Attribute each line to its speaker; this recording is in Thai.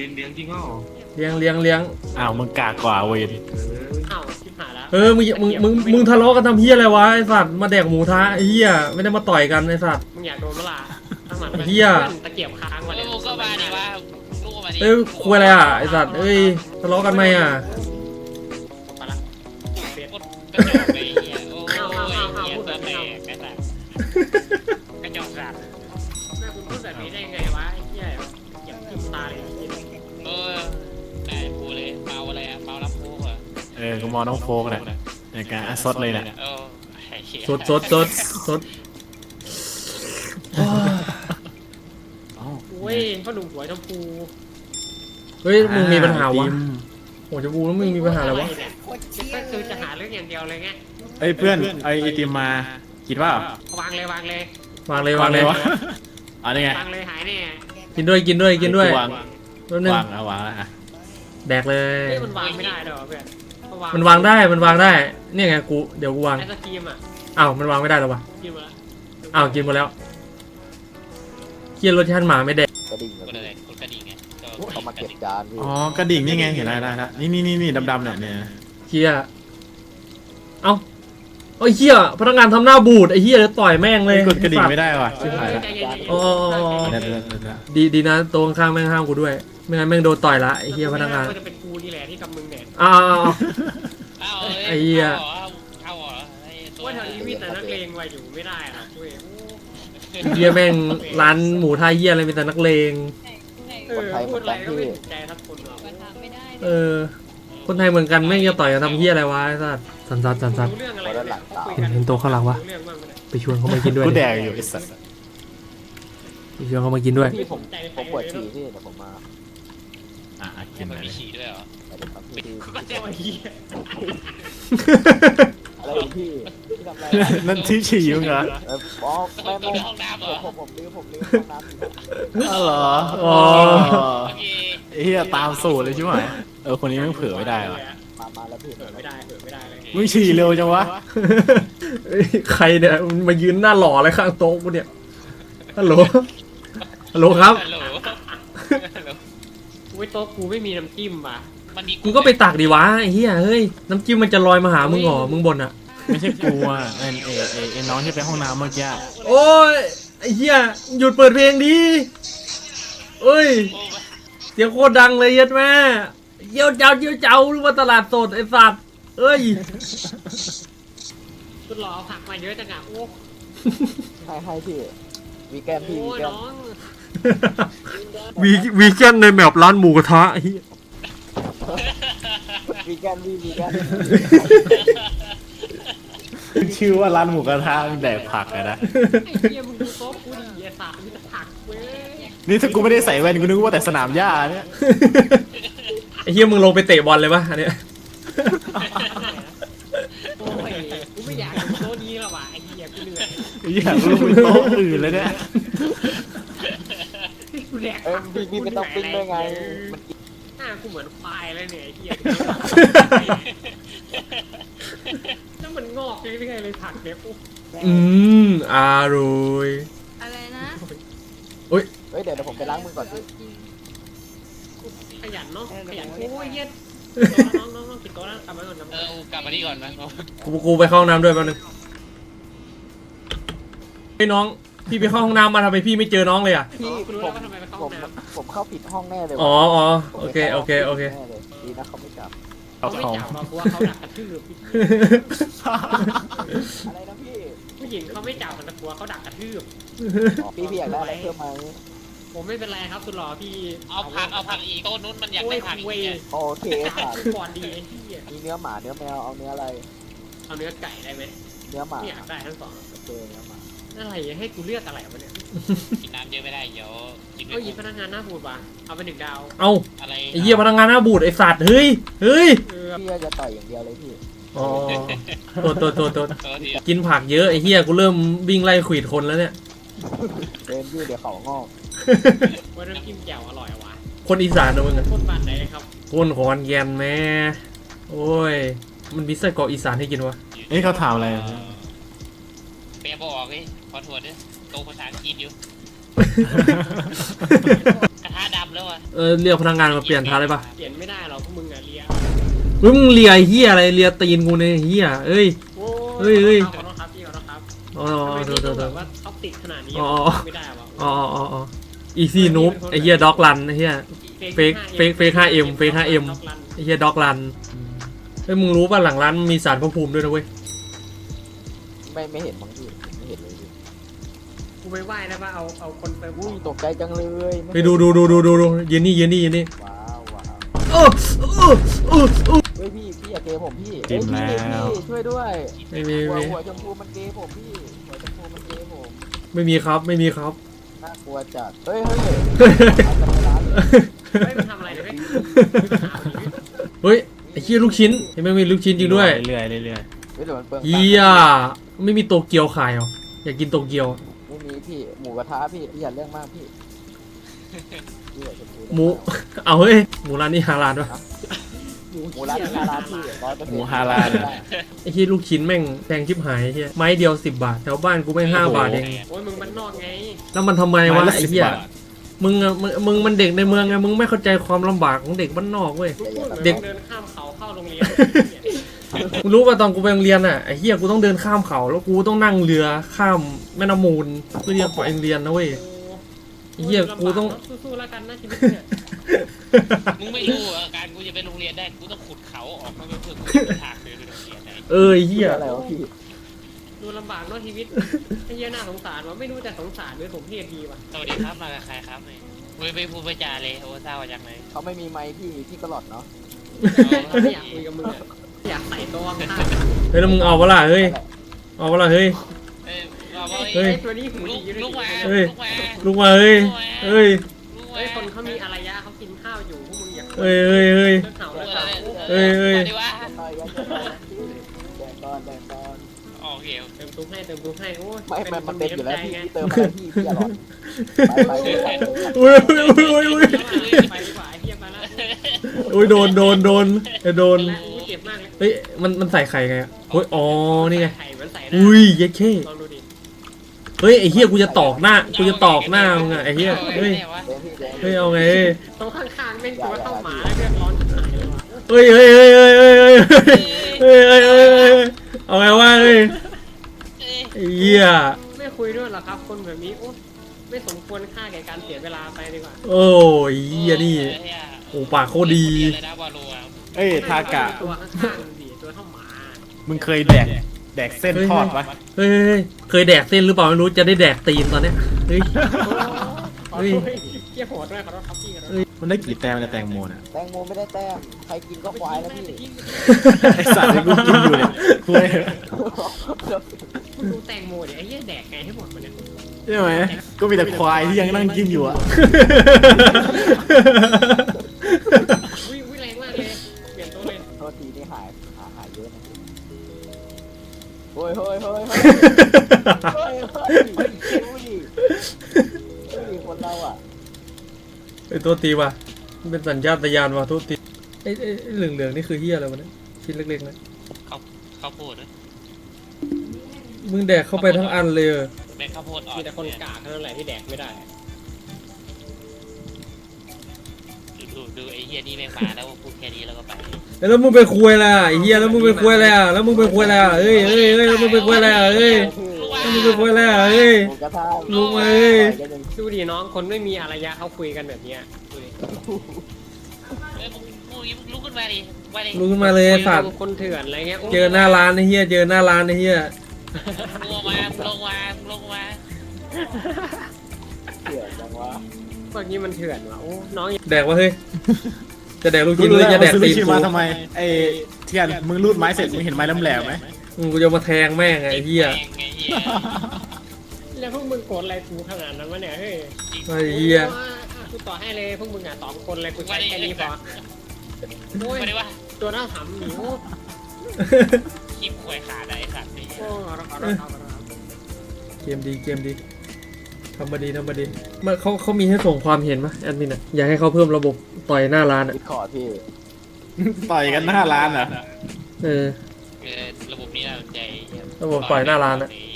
Speaker 1: ลี้ยงจริงเหรอ
Speaker 2: เลี้ยง
Speaker 3: อ้าวมึงกากกว่าเวน
Speaker 4: อ้าวชิบหายแล้ว
Speaker 2: มึงทะเลาะกันทำเฮียอะไรวะไอสัตว์มาแดกหมูทะไอเฮียไม่ได้มาต่อยกันไอสัตว์
Speaker 4: มึงอยากโดนเมื่อไหร่ตั้งหลัง
Speaker 2: เหี้ย
Speaker 4: ตะเกียบค้างมาเนี่ย
Speaker 5: ลูกก็มาดิว่าลูกก็มาดิ
Speaker 2: เอ้ยคุยอะไรอ่ะไอสัตว์เอ้ยทะเลาะกันไหมอ่ะ
Speaker 4: ไปละเสีย
Speaker 5: กดกระจอกไปเหี้ยโอ้ยเหี้ยตัวแตกกระสับกระจอกสัตว์
Speaker 4: แม่คุณพูดแบบนี้ได้ไงวะไอ้เหี้ยเก็บทิ่มตาเลย
Speaker 5: เออได้พูดเลยเมาอะไรอะเมารับพูดอะ
Speaker 3: กูมองน้องโฟกเนี่ยในการซดเลยเนี่ย
Speaker 5: เออไอ้เหี้ย
Speaker 2: สด
Speaker 4: โอ้ยพ่อหนุ่มหัวชมพู
Speaker 2: เฮ้ยมึงมีปัญหาวะโอ้จะบูแล้วมึงมีปัญหาอะไรวะ
Speaker 4: เนี่ยก็คือจะหาเรื่องอย่างเดียวเลยไง
Speaker 3: เอ้ยเพื่อนไอติมมากินเปล่าว
Speaker 4: างเลยวางเลย
Speaker 2: วางเลยวางเลยว
Speaker 3: ะอ๋อนี่ไง
Speaker 4: วางเลยหายแน่
Speaker 2: กินด้วย
Speaker 3: วาง
Speaker 2: ตัวนึง
Speaker 3: วางแล้ววางแล้วอ่ะ
Speaker 2: แดกเลย
Speaker 4: เฮ้ยมันวางไม่ได้หรอเพื่อน
Speaker 2: มันวางได้เนี่ยไงกูเดี๋ยวกูวาง
Speaker 4: ไอศครีมอ่ะ
Speaker 2: อ้าวมันวางไม่ได้หรอวะ
Speaker 4: กินมาแล้ว
Speaker 2: อ้าวกินหมดแล้วเคียนรสชาติหมาไม่แดก
Speaker 6: กระดิ่ง
Speaker 5: กดอะไรกดกระดิ่งไง
Speaker 6: เขามาเก็บจานพี่
Speaker 3: อ๋อกระดิ่งนี่ไงเห็นได้นี่ดำๆเนี่ย
Speaker 2: เคียเอ้าไอ้เฮียพนักงานทำหน้าบูดไอ้เฮียเลยต่อยแม่งเลย
Speaker 3: กดกระดิ่งไม่ได้ว่ะชิบหายละ
Speaker 4: ใจเย็น
Speaker 2: อ๋อ
Speaker 3: เดี๋ยว
Speaker 2: ดีนะตัวข้างๆแม่งห้ามกูด้วยไม่งั้นแม่งโดนต่อยละไอ้เฮียพนักงาน
Speaker 4: ก็จะเป็นกูนี่แหละที่กับมึงเนี่ย
Speaker 2: อ้าว
Speaker 5: เอา
Speaker 2: ไอ้เหี้ย
Speaker 5: เอาเหรอไอ้ตัว
Speaker 4: ว่าแถวนี้มีแต่นักเลงไว้อยู่ไม่ได้หรอกเว้ย
Speaker 2: เฮียแม่งร้านหมูไทยเฮียอะไรมีแต่นักเลง
Speaker 4: เออพูดอะไรก็ไม่ถูกใจทักคนหรอก
Speaker 2: เออ คนไทยเหมือนกันแม่งจะต่อยกันทำเฮียอะไรวะไอ้สัสสัน
Speaker 4: รู้เรื่องอะไร
Speaker 2: เห็นโต๊ะข้างหลังวะ
Speaker 4: รู้เรื่องบ้างไหม
Speaker 2: ไปชวนเขามากินด้วย
Speaker 3: กูแดกอยู่ไอ้สัส
Speaker 2: ไปชวนเขามากินด้วย
Speaker 4: พี่ผมใจ
Speaker 6: ผมปวดฉี่พี่เดี๋ยวผมมา
Speaker 3: กิน
Speaker 5: มัน
Speaker 3: เลย
Speaker 5: มีฉี่ด้วยเหรอ
Speaker 6: เดี๋ยวครับพี่
Speaker 4: ก็เจ้าเหี้ย
Speaker 6: อะไรของพี่พี่ทำอะไร
Speaker 3: นั่นที่ฉี่มึงเหรอ
Speaker 6: อ๋อ
Speaker 5: ต้
Speaker 6: ไม่
Speaker 5: อง
Speaker 6: ไม่
Speaker 5: ห้องน้ำเหรอ
Speaker 6: ผมลืมห้องน้ำ
Speaker 3: อ๋อเหรอ
Speaker 2: อ๋อ
Speaker 5: โอเค
Speaker 3: ไอ้เหี้ยตามสูตรเลยใช่ไหมคนนี้แม่งเผื่อไม่ได้ว่ะ
Speaker 6: มาแล้วพี่
Speaker 4: เปิดไม่ได้เปิดไม่ได้เลย
Speaker 3: มึงฉี่เร็วจังวะ
Speaker 2: เอ้ยใครเนี่ยมันมายืนหน้าหล่ออะไรข้างโต๊ะกูเนี่ยฮัลโหลครับ
Speaker 5: ฮัลโหลฮัลโหล
Speaker 4: อุ้ยโต๊ะกูไม่มีน้ำจิ้มป่ะ
Speaker 5: มันมี
Speaker 2: มึงก็ไปตักดิวะไอ้เฮียเฮ้ยน้ำจิ้มมันจะลอยมาหามึงเหรอมึงบ่นอ่ะ
Speaker 3: ไม่ใช่กูอ่ะไอ้น้องที่ไปห้องน้ำเมื่อกี้
Speaker 2: โอ้ยไอ้เฮียหยุดเปิดเพลงดิเอ้ย
Speaker 5: โอ้
Speaker 2: เสียงโคตรดังเลยยัดแม่เยี่ยวเจ้าหรือว่าตลาดสดไอ้สัตว์เอ้ย
Speaker 4: คุณหล่อผักมาเยอะจังอ่ะโอ้
Speaker 6: ให้พี่วีแกนพี่
Speaker 4: โอ้
Speaker 6: วีแกน
Speaker 4: น้อง
Speaker 2: วีแกนในแมปร้านหมูกระทะไอ้เหี้ย
Speaker 6: วีแกนวีแกน
Speaker 3: ชื่อว่าร้านหมูกระทะแดกผักอะนะ
Speaker 4: ไอ้เหี้ยมึงดูโต๊ะกูดิไอ้สัตว์มีแต่ผักเว้ย
Speaker 3: นี่ถ้ากูไม่ได้ใส่แว่นกูนึกว่าแต่สนามหญ้าเนี่ย
Speaker 2: ไอ้เหี้ยมึงลงไปเตะบอลเลยปะอันเนี้ย
Speaker 4: โอ้ยกูไม่อยากดูโต๊ะนี้แล้วว่ะไอ้เหี้ยกูเหนื่อย
Speaker 3: อยากรู้เป็นโต๊ะอื่นเลยเนี่ย
Speaker 4: กูแดก
Speaker 6: พี่ไม่ต้องปิ้งด้วยไงมัน
Speaker 4: หน้ากูเหมือนควายเลยเนี่ยไอ้เหี้ยแล้วมันงอกเรื่อยๆเลยผักเนี่ยโอ้
Speaker 2: อร่อย
Speaker 7: อะไรนะ
Speaker 6: เฮ้ยเดี๋ยวผมไปล้างมือก่อนพี่
Speaker 4: ขยันเนาะขยันโอ้ยเหี้ยน้องกินโต๊ะนะกลับมาก่อน
Speaker 5: เออกลับมานี่ก่อนนะ
Speaker 2: กูไปเข้าห้องน้ำด้วยแป๊บนึงไอ้น้องพี่ไปเข้าห้องน้ำมาทำไมพี่ไม่เจอน้องเลยอ่ะ
Speaker 6: พี่
Speaker 4: คุณรู้
Speaker 6: ผ
Speaker 4: แล้ว
Speaker 6: ม
Speaker 4: ว่าทำไมไปเข้า
Speaker 6: ผ
Speaker 4: ห้อ
Speaker 6: ม
Speaker 4: งน้ำ
Speaker 6: ผมเข้าผิดห้องแน่เลย
Speaker 2: อ๋อโอเค
Speaker 6: ดีนะเขาไม่จับ
Speaker 4: เขาไม่จับเรากลัวเขาดักกระทืบ
Speaker 6: อะไรนะพี่
Speaker 4: ผู้หญิงเขาไม่จับแต่กลัวเขาดักกระทืบ
Speaker 6: พี่อยากได้อะไรเพิ่มไหม
Speaker 4: ผมไม่เป็นไรครับคุณรอพี่
Speaker 5: เอาผักอีกโต๊ะนู้นมันอยากได้ผักอีกเนี่ย
Speaker 6: โอเค
Speaker 4: จับ
Speaker 6: ค่ะ
Speaker 4: ก่อนดีไอ้ที่
Speaker 6: มีเนื้อหมาเนื้อแมวเอาเนื้ออะไร
Speaker 4: เอาเนื้อไก่ได้ไหม
Speaker 6: เนื้อหมา
Speaker 4: ไม่อยากได้ทั้งสอง
Speaker 6: โอเคเนื้อหมา
Speaker 4: อะไรให้กูเลือกอะไรวะเนี่ย
Speaker 5: กินน้ำเยอะไม่ได้เดี๋ยวกินไม่
Speaker 4: ก็ยิง
Speaker 5: หม
Speaker 4: พ
Speaker 5: ด
Speaker 4: นักงานหน้าบูดว่ะเอาไป1 ดาว
Speaker 2: เอ้า
Speaker 5: อะไร
Speaker 2: ไอ้เหี้ยพนักงานหน้าบูดไอ้สัตว์เฮ้ย
Speaker 6: พี่จะต่อยอย่างเดียวเลยพี่
Speaker 2: อ๋อตัว
Speaker 5: ตัวที
Speaker 2: กินผักเยอะไอ้เหี้ยกูเริ่มวิ่งไล่ขวีดคนแล้วเนี่ย
Speaker 6: เดินพี่เดี๋ยวเขางอก
Speaker 4: ว่าน้ำจิ้มแจ่วอร่อยว่ะ
Speaker 2: คนอีสานนะมึงอะ
Speaker 4: คนบ้านไหนครับ
Speaker 2: คนขอนแก่นแม่โอ้ยมันมีไส้กรอกอีสานให้กินวะ
Speaker 3: นี่เขาถามอะไร
Speaker 5: เปียบอกเลยขอโทษด้วยโตภาษาอังกฤษอยู่กระทะดำแล้วอ่ะ
Speaker 2: เรียกพนักงานมาเปลี่ยนท้าได้ปะ
Speaker 4: เปลี่ยนไม่ได้หรอกพวกมึงอะเลีย
Speaker 2: เฮ้ยมึงเลียไอ้เฮียอะไรเลียตีนกูเนี่ยเฮียเอ้ย
Speaker 4: โอ้
Speaker 2: เฮ้ยเฮ้ย
Speaker 4: ขอโทษครับพี่ขอโทษครับ
Speaker 2: อ๋อ
Speaker 4: ทำไม
Speaker 2: โท
Speaker 4: พี่
Speaker 2: ษ
Speaker 4: ต้อง
Speaker 2: โทษ
Speaker 4: แบบว่าท็อกติกขนาดนี้
Speaker 2: อ๋อ
Speaker 4: ไม่ได้วะ
Speaker 2: อ๋ออีซี่นูบไอ้เฮียด็อกรันไอ้เฮีย เฟก 5M เฟก 5M ไอ้เฮียด็อกรันเฮ้ยมึงรู้ป่ะหลังร้านมีสารพระภูมิด้วยนะเว้ย
Speaker 6: ไม่เห็นบางทีไม่เห็นเลยพี่
Speaker 4: กูไปไหว้นะว่าเอาคนไป
Speaker 6: อุ้ยตกใจจังเลย
Speaker 2: ไปดูยืนนี่
Speaker 6: ว้าวว้าว
Speaker 2: โอ้โอ้
Speaker 6: เฮ้ยพี่อย่าเกย์ผมพี่
Speaker 3: จิ้มแล้ว
Speaker 6: พี่ช่วยด้วย
Speaker 2: ไม่มี
Speaker 6: หัวชมพูมันเกย์ผมพี่หัวชมพูมันเกย์ผม
Speaker 2: ไม่มีครับ
Speaker 6: น่ากลัวจัดเฮ้ยเอาไปในร้านเลย
Speaker 4: ไม่ไปทำอะไรเลย
Speaker 2: เฮ้ยไอ้เฮียลูกชิ้นเห็นไหมมีลูกชิ้นจริงด้วย
Speaker 3: เรื่อยๆ
Speaker 6: เฮ้ยเดี๋ยวมันเปลือง
Speaker 2: เฮียไม่มีโตเกียวขายเหรออยากกินโตเกียว
Speaker 6: ไม่มีพี่หมูกระทะพี่อย่าเรื่องมากพี่พี่หัวชมพู
Speaker 2: หมูเอาเฮ้ยหมูร้านนี้ฮาลาลวะ
Speaker 6: หมูร้านนี้ร้านพี่100%
Speaker 3: หมูฮาลาล
Speaker 2: ไอ้เฮียลูกชิ้นแม่งแพงชิบหายไอ้เฮียไม้เดียว10 บาทแถวบ้านกูแม่ง5 บาทเอง
Speaker 4: โอ้ยมึงมันนอกไง
Speaker 2: แล้วมันทำไมวะไอ้เหี้ยมึงอะมึงมันเด็กในเมืองไงมึงไม่เข้าใจความลำบากของเด็กบ้านนอกเว้ย เด็ก
Speaker 4: เดินข้ามเขาเข้าโรงเรียน
Speaker 2: มึงรู้ป่ะตอนกูไปโรงเรียนอ่ะไอ้เหี้ยกูต้องเดินข้ามเขาแล้วกูต้องนั่งเรือข้ามแม่น้ำมูลเพื่อที่จะไปโรงเรียนนะเว้ย ไอ้เหี้ยกูต้อง
Speaker 4: สู้ๆแล้วกันนะชีวิตเนี่ย
Speaker 5: มึงไม่รู้อ่ะการกูจะไปโรงเรียนได้กูต้องขุดเขาออกมาเพื่อทางเดินไปโรงเรียนได้
Speaker 2: ไอ้เหี้ย
Speaker 6: อะไรวะพี่
Speaker 4: ดูลำบากเนาะชีวิตไอ้เหี้ยน่าสงสารวะไม่รู้จะสงสารหรือสมเพชดีวะ
Speaker 5: สวัสดีครับมากับใครครับเนี่ยไปพูดไปจาเลยโอ้เศร้าจังเลย
Speaker 6: เขาไม่มีไมค์พี่ก็หลอดเนาะ
Speaker 4: ไม่อยากคุยกับมึงอะอยากใส่ตัวข้าง
Speaker 2: เฮ้ยแล้วมึงเอาเวลาเฮ้ยเอาเวลาเฮ้ย
Speaker 5: เอ้ยบอกว่า
Speaker 2: เฮ้ย
Speaker 4: ไอ้ตัวนี้หู
Speaker 5: ลู
Speaker 4: ดี
Speaker 5: ก
Speaker 4: อยู่
Speaker 5: ลูก
Speaker 4: ด้วย
Speaker 5: มา
Speaker 2: เฮ้ย
Speaker 5: ลูกมา
Speaker 2: ลุกมาเฮ้ยเฮ้ย
Speaker 5: ลูก
Speaker 4: เฮ้ยคนเขามีอารยะเขากินข้าวอยู่พวกมึงอยาก
Speaker 2: เฮ้ย
Speaker 4: เลิกเห่า
Speaker 5: ลู
Speaker 4: เลิ
Speaker 5: ก
Speaker 4: ก
Speaker 5: เอ
Speaker 4: เห่า
Speaker 5: อ
Speaker 2: เฮ้ย
Speaker 5: ดีว่า
Speaker 6: ต่อยกันแดงก้อน
Speaker 5: โอเค
Speaker 4: เติมตุ้ให้โอ้ย
Speaker 6: ไม่มันเต็มอยู่แล้วพี่เติมอะไรพี่อย่าหลอดไป
Speaker 2: อุ้ยอุ้ย
Speaker 4: ไปดีกว่าไอ้เหี้ยมาแล้ว
Speaker 2: อุ้ยโดนไอ้โดน
Speaker 4: แล้วเจ็บมากเลย
Speaker 2: เฮ้ยมันใส่ไข่ไงอะเฮ้ยอ๋อนี่ไง
Speaker 4: ไข่เหมือนใส่
Speaker 2: อุ้ยเย้เข้
Speaker 4: ลองดูดิ
Speaker 2: เฮ้ยไอ้เหี้ยกูจะตอกหน้ามึงอะไอ้เหี้ยเฮ้ย
Speaker 6: แดงพี่แดง
Speaker 2: เฮ้ยเอาไง
Speaker 4: ตรงข้างๆแม่งตัวเท่าหมาแล้วเลือดร้อนชิบหายเลยวะ
Speaker 2: เฮ้ยเอาไงวะเฮ้ยไอ้เหี้ย
Speaker 4: ไม่คุยด้วยหรอครับคนแบบนี้โอ้ไม่สมควรค่าแก่การเสียเวลาไปดีกว่า
Speaker 2: โอ้ยเหี้ยนี่โอ้ปากโคตรดี
Speaker 3: เอ้ยทากะ
Speaker 4: ตัวข้างๆดิตัวเท่าหมา
Speaker 3: มึงเคยแดกเส้นทอดปะ
Speaker 2: เฮ้ยเคยแดกเส้นหรือเปล่าไม่รู้จะได้แดกตีนตอนเนี้ยเฮ้ย
Speaker 4: เฮ้ยเกี่ยโหดด้วยขอโทษครับพี่ขอโทษ
Speaker 3: มันได้กี่แต้มในแตงโมน่ะ
Speaker 6: แตงโมไม่ได้แต้มใครกินก็ควายแล้วพี่
Speaker 3: ไอสัตว์ที่กูกินอยู่เนี่ยคุย
Speaker 4: คุณดูแตงโมดิไอ้เหี้ยแดกไงให้หมดมันเนี่ย
Speaker 3: ใช่ไหมก็มีแต่ควายที่ยังนั่งกินอยู่อะ
Speaker 4: วิแรงมากเลยเปลี่ยนโต๊ะเลย
Speaker 6: โทษทีนี่หายเยอะนะเฮ้ยดูดิคนเราอ่ะ
Speaker 2: ไอ้ตัวตีว่ะมันเป็นสัญชาตญาณว่ะตัวตีไอ้เหลืองๆนี่คือเหี้ยอะไรวะเนี่ยชิ้นเล็กๆนะ
Speaker 5: ข้าวโพดด้วย
Speaker 2: มึงแดกเข้าไปทั้งอันเลย
Speaker 5: แม่ข้าวโพดอ่อน
Speaker 4: มีแต่คนกากเท่านั้นแหละที่แดกไม่ได้
Speaker 5: ดูไอ้เฮียนี่แม่งมาแล้วพูดแค่นี้แล้วก็ไป
Speaker 2: แล้วมึงไปคุยล่ะไอ้เหี้ยแล้วมึงไปคุยอะไรอ่ะแล้วมึงไปคุยอะไรอ่ะเอ้ยแล้วมึงไปคุยอะไรอ่ะเอ้ยแล้วมึงไปคุยอะไรอ่ะเอ้ย
Speaker 6: หมูกระทะ
Speaker 2: ลุงเอ้ย
Speaker 4: ดูดิน้องคนไม่มีอารยะเขาคุยกันแบบเนี้ยดูดิ
Speaker 5: เฮ้ยมึงลุกขึ้นมาดิมาดิ
Speaker 2: ลุกขึ้นมาเลยไอ้สัตว์
Speaker 4: คนเถื่อนอะไรเงี้ย
Speaker 2: เจอหน้าร้านไอ้เหี้ยเจอหน้าร้านไอ้เหี้ย
Speaker 5: ลงมา
Speaker 6: เถื่อนจังวะ
Speaker 4: พวกนี้มันเถื่อนวะโอ้น้อง
Speaker 2: แดกวะเฮ้ยจะแดกลูกชิ้นหรือจะแดกตีน
Speaker 3: ซื้อ
Speaker 2: กู
Speaker 3: มาทำไมไอเทียนมึงรูดไม้เสร็จมึงเห็นไม้แหลมๆไหม
Speaker 2: กูจะมาแทงแม่งไอ้เหี้ย
Speaker 5: ไงเฮีย
Speaker 4: แล้วพวกมึงโกรธอะไรกูขนาดนั้นวะเนี่ยเฮ้ย
Speaker 2: ไอ้เหี้ย
Speaker 4: กูต่อให้เลยพวกมึงอ่ะ2 คนเลยกูใช้แค่นี้พอโอ้ย
Speaker 5: ไม่ได้ว่า
Speaker 4: ตัวน่าถามหนิว
Speaker 5: คลิปควยขาดไอ้สัตว์นี่
Speaker 4: โอ้ขอโทษ
Speaker 2: เกมดีทำมาดีมันเขามีให้ส่งความเห็นปะแอดมินอ่ะอยากให้เขาเพิ่มระบบต่อยหน้าร้านอ่ะ
Speaker 6: ดิสคอร์ดพี่
Speaker 3: ต่อยกันหน้าร้านเหรอ
Speaker 2: เออ
Speaker 5: ระบบนี้น่าสนใจ
Speaker 2: ระบบปล่อยหน้าร้านอะ
Speaker 5: นี่